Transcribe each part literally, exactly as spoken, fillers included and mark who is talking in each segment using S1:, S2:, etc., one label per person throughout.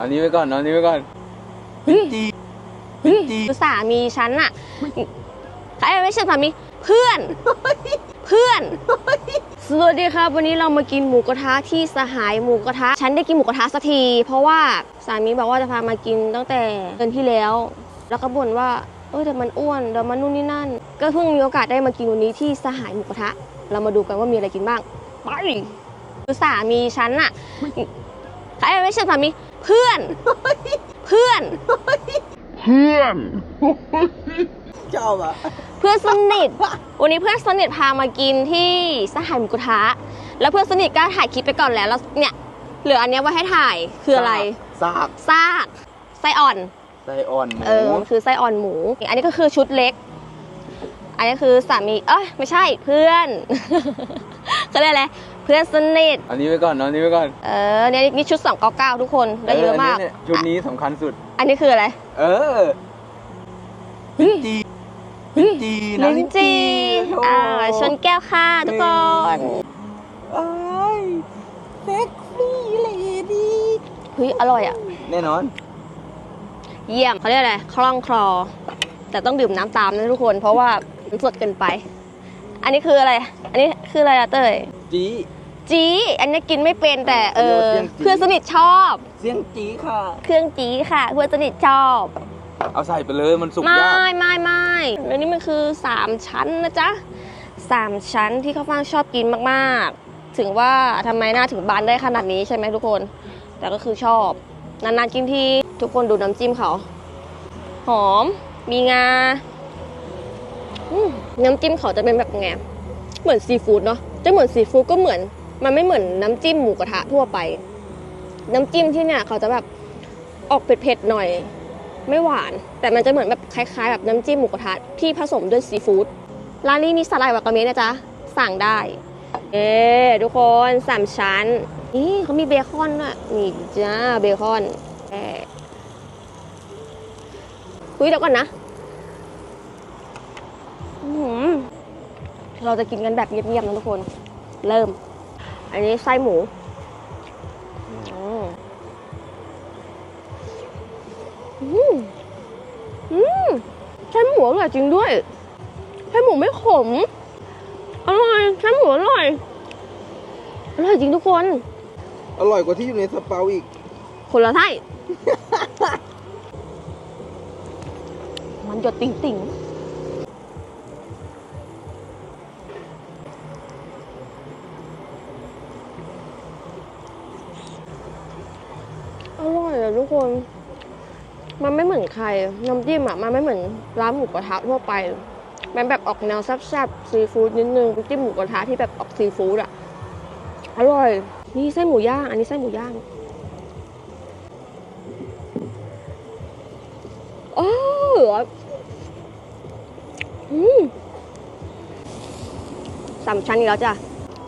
S1: อันนี้ไว้ก่อนอันนี้ไว้ก่อนจีจี
S2: สามีฉันอะใครไม่ใช่สามีเพื่อนเพื่อนสวัสดีครับวันนี้เรามากินหมูกระทะที่สหายหมูกระทะฉันได้กินหมูกระทะสักทีเพราะว่าสามีบอกว่าจะพามากินตั้งแต่เดือนที่แล้วแล้วก็บ่นว่าเออแต่มันอ้วนเดี๋ยวมันนู่นนี่นั่นก็เพิ่งมีโอกาสได้มากินวันนี้ที่สหายหมูกระทะเรามาดูกันว่ามีอะไรกินบ้างไปสามีฉันอะใครไม่ใช่สามีเพื่อนเพื่อน
S1: เพื่อนชอบอะ
S2: เพื่อนสนิทวันนี้เพื่อนสนิทพามากินที่สหายหมูกระทะแล้วเพื่อนสนิทก็ถ่ายคลิปไปก่อนแล้วแล้วเนี่ยเหลืออันนี้ไว้ให้ถ่ายคืออะไร
S1: ซาก
S2: ซากไส้อ่อน
S1: ไส้อ่อนหมู
S2: เออคือไส้อ่อนหมูอันนี้ก็คือชุดเล็กอันนี้คือสามีเอ้ยไม่ใช่เพื่อนเขาเรียกอะไรเพื่อนสนิท
S1: อันนี้ไว้ก่อนอันนี้ไว้ก่อน
S2: เออเนี่ยนี่ชุดสองเก้าเก้าทุกคนได้เยอะมาก
S1: ชุดนี้สำคัญสุด
S2: อันนี้คืออะไร
S1: เออจีจี
S2: ลิ้นจี่อ่าชนแก้วค่ะทุกคน
S1: เอ้ยเซ็กซี่เลดี้
S2: เฮ้ยอร่อยอ่ะ
S1: แน่นอน
S2: เยี่ยมเขาเรียกอะไรคล่องคลอแต่ต้องดื่มน้ำตามนะทุกคนเพราะว่ามันสดเกินไปอันนี้คืออะไรอันนี้คืออะไรอะเต้ย
S1: จี
S2: จีอันนี้กินไม่เป็นแต่เออเพื่อนสนิทชอบ
S1: เสียงจีค่ะ
S2: เครื่องจีค่ะเพื่อนสนิทชอบ
S1: เอาใส่ไปเลยมันสุกยาก
S2: ไม่ไม่ไม่แล้วนี่มันคือสามชั้นนะจ๊ะสามชั้นที่ข้าวฟ่างชอบกินมากๆถึงว่าทำไมหน้าถึงบานได้ขนาดนี้ใช่ไหมทุกคนแต่ก็คือชอบนานๆกินทีทุกคนดูน้ำจิ้มเขาหอมมีงาน้ำจิ้มเขาจะเป็นแบบไงเหมือนซีฟู้ดเนาะจะเหมือนซีฟู้ดก็เหมือนมันไม่เหมือนน้ำจิ้มหมูกระทะทั่วไปน้ำจิ้มที่เนี่ยเขาจะแบบออกเผ็ดๆหน่อยไม่หวานแต่มันจะเหมือนแบบคล้ายๆแบบน้ำจิ้มหมูกระทะที่ผสมด้วยซีฟู้ดร้านนี้มีสไลด์วากาเมะนะจ๊ะสั่งได้เอ๊ทุกคนสามชั้นนี่เขามีเบคอนด้วยนี่จ้าเบคอนเอ๊คุยเดี๋ยวก่อนนะเราจะกินกันแบบเงียบๆนะทุกคนเริ่มอันนี้ไส้หมูอืมอืมไส้หมูอร่อยจริงด้วยไส้หมูไม่ขมอร่อยไส้หมูอร่อยอร่อยจริงทุกคน
S1: อร่อยกว่าที่อยู่ในสเปาอีก
S2: คนละไส้มันหยดติ่งติ่งอร่อยอะทุกคนมันไม่เหมือนใครน้ำจิ้มอะมันไม่เหมือนร้านหมูกระทะทั่วไปมันแบบออกแนวแซ่บๆซีฟู้ดนิดนึงน้ำจิ้มหมูกระทะที่แบบออกซีฟู้ดอะอร่อยนี่ไส้หมูย่างอันนี้ไส้หมูย่างโอ้อืมสามชั้นอีกแล้วจ้ะ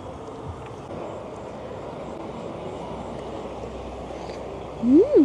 S2: อืม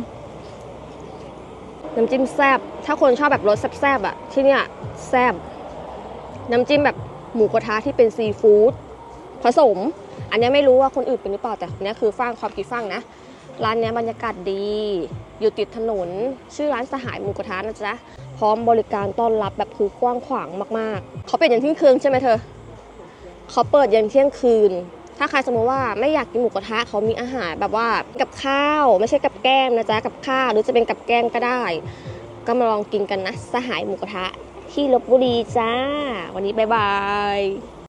S2: น้ำจิ้มแซ่บถ้าคนชอบแบบรสแซ่บๆอะที่เนี่ยแซ่บน้ำจิ้มแบบหมูกระทะที่เป็นซีฟู้ดผสมอันนี้ไม่รู้ว่าคนอื่นเป็นหรือเปล่าแต่เนี้ยคือฟังความคิดฟังนะร้านนี้บรรยากาศดีอยู่ติดถนนชื่อร้านสหายหมูกระทะนะจ๊ะพร้อมบริการต้อนรับแบบคือกว้างขวางมากๆเขาเปิดยันเที่ยงคืนใช่ไหมเธอเขาเปิดยันเที่ยงคืนถ้าใครสมมติว่าไม่อยากกินหมูกระทะเขามีอาหารแบบว่ากับข้าวไม่ใช่กับแก้มนะจ๊ะกับข้าวหรือจะเป็นกับแก้มก็ได้ก็มาลองกินกันนะสหายหมูกระทะที่ลพบุรีจ้าวันนี้บ๊ายบาย